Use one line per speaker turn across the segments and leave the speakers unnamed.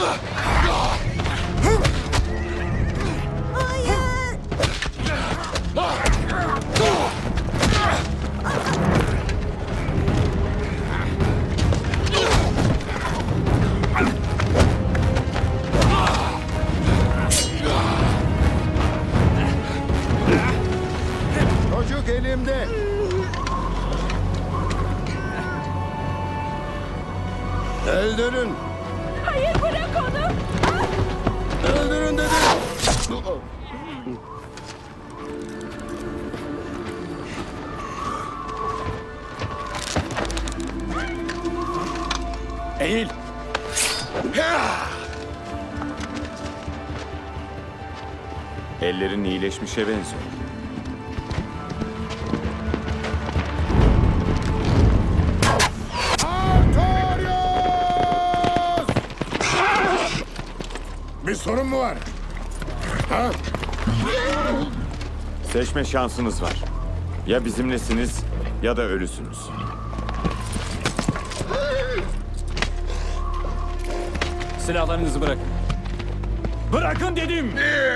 Çocuk elimde. Öldürün.
Hayır, bırak onu.
Öldürün dedim.
Eğil.
Ellerin iyileşmişe benziyor.
Artorius! Bir sorun mu var? Ha?
Seçme şansınız var. Ya bizimlesiniz ya da ölüsünüz.
Silahlarınızı bırakın. Bırakın dedim.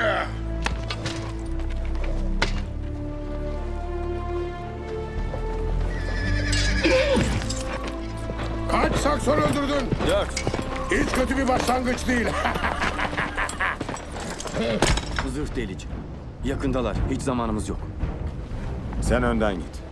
Kaç sakson öldürdün?
4.
Hiç kötü bir başlangıç değil.
Zırh delici. Yakındalar. Hiç zamanımız yok.
Sen önden git.